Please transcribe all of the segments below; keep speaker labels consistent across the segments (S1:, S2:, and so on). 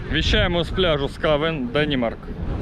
S1: Віщаємо з пляжу Скавен, Денімарк.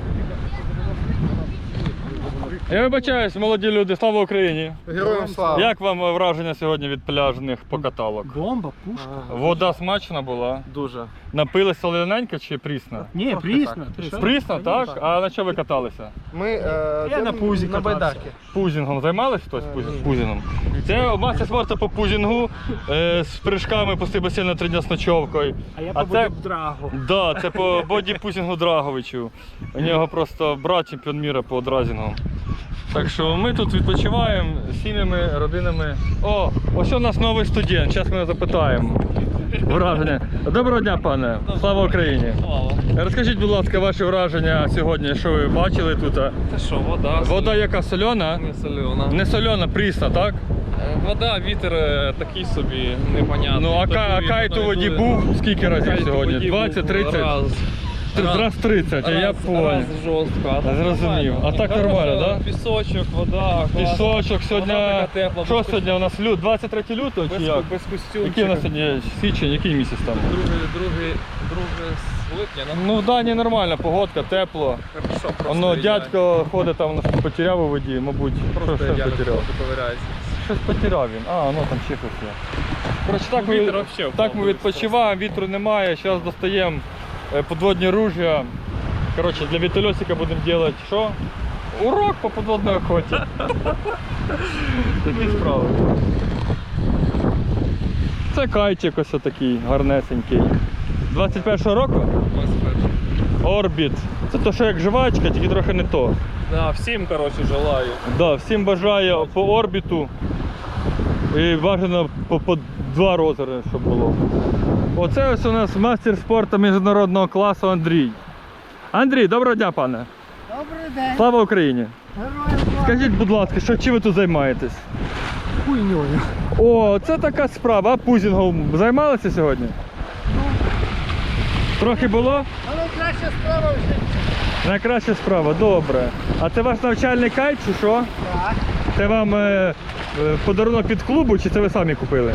S1: Я вибачаюсь, молоді люди, слава Україні!
S2: Героям слава!
S1: Як вам враження сьогодні від пляжних покаталок?
S3: Бомба, пушка.
S1: Вода смачна була?
S2: Дуже.
S1: Напились солоненька чи прісна?
S3: Ні, прісно.
S1: Прісна, так? А на що ви каталися?
S2: Ми
S3: Я на пузі
S2: на
S3: катався.
S2: байдарки.
S1: Пузінгом займались хтось? Пузінгом? Це мастер спорту по пузінгу з прыжками пусти басейн на 3 дня з ночовкою.
S3: А я побудив драгу.
S1: Да, це по боді-пузінгу Драговичу. У нього просто брат чемпіон міра по дразінгу. Так що ми тут відпочиваємо з сім'ями, родинами. О, ось у нас новий студент, зараз ми його запитаємо. Враження. Доброго дня, пане. Слава Україні.
S4: Слава.
S1: Розкажіть, будь ласка, ваші враження сьогодні, що ви бачили тут?
S4: Це що, вода?
S1: Вода яка сольона?
S4: Не солена.
S1: Не сольона, прісна, так?
S4: Вода, вітер такий собі, непонятний.
S1: Ну, а
S4: Тобто
S1: кайт у воді був скільки разів сьогодні? 20, 30? Раз 30, я понял.
S4: Раз жорстко.
S1: Зрозумів. А так нормально, так?
S4: Пісочок, вода, клас.
S1: Пісочок сьогодні.
S4: Вода така тепла,
S1: Що
S4: без
S1: сьогодні у нас 23 лютого чи як?
S4: без костюмчика.
S1: Який у нас сьогодні січень, який місяць там?
S4: Друге липня.
S1: Ну в Данії нормальна погодка, тепло.
S4: Хорошо, просто
S1: Воно
S4: ідеально.
S1: дядько ходить там, щось потеряв у воді, мабуть.
S4: Просто
S1: Щось
S4: ідеально
S1: потеряв.
S4: ковиряється.
S1: Щось потеряв він. А, ну там ще щось є. Коротше, так,
S4: Ну,
S1: ми,
S4: вітер вообще
S1: так ми
S4: впав,
S1: відпочиваємо, вітру немає, зараз достаємо подводні ружья. Коротше, для вітольотика будемо робити що? Урок по подводній охоті. Такі справи. Це кайтик ось такий гарнесенький. 21-го року? Орбіт. Це то, що як жвачка, тільки трохи не то.
S4: Да, всім, коротше, желаю.
S1: Да, всім бажаю по орбіту. І бажано по 2 розміри, щоб було. Оце ось у нас мастер спорту міжнародного класу Андрій. Андрій, доброго дня, пане.
S3: Добрий день.
S1: Слава Україні.
S3: Героям слава.
S1: Скажіть, будь ласка, чим ви тут займаєтесь?
S3: Хуйньою.
S1: О, це така справа. А пузінгом займалися сьогодні? Трохи було?
S3: Але краща справа вже.
S1: Найкраща справа, добре. А це ваш навчальний кайт чи що?
S3: Так.
S1: Це вам подарунок від клубу чи це ви самі купили?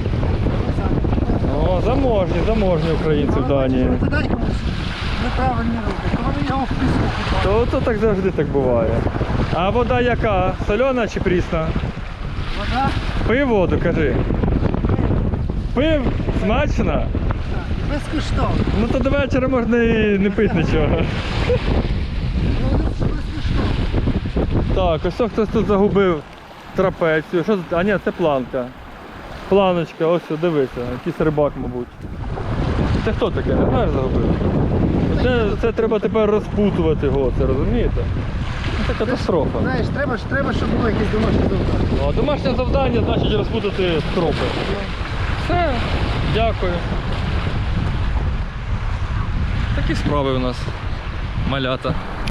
S1: О, заможні українці в Данії.
S3: Ти дай комусь неправильні руки. Коли його в піску купав.
S1: То так завжди так буває. А вода яка? Сольона чи прісна?
S3: Вода.
S1: Пив воду, кажи. Пив? Смачно?
S3: Безкоштовно.
S1: Ну то до вечора можна і не пити нічого.
S3: Ну, безкоштовно.
S1: Так, ось хтось тут загубив трапецію. Що це? А ні, це планка. Планочка, ось дивися, якийсь рибак, мабуть. Це хто таке? Не знаєш, загубив? Це треба тепер розпутувати його, це розумієте? Це катастрофа.
S3: Знаєш, треба, щоб було якесь домашнє завдання.
S1: Ну, а домашнє завдання значить розпутати стропи. Все, дякую. Такі справи у нас, малята.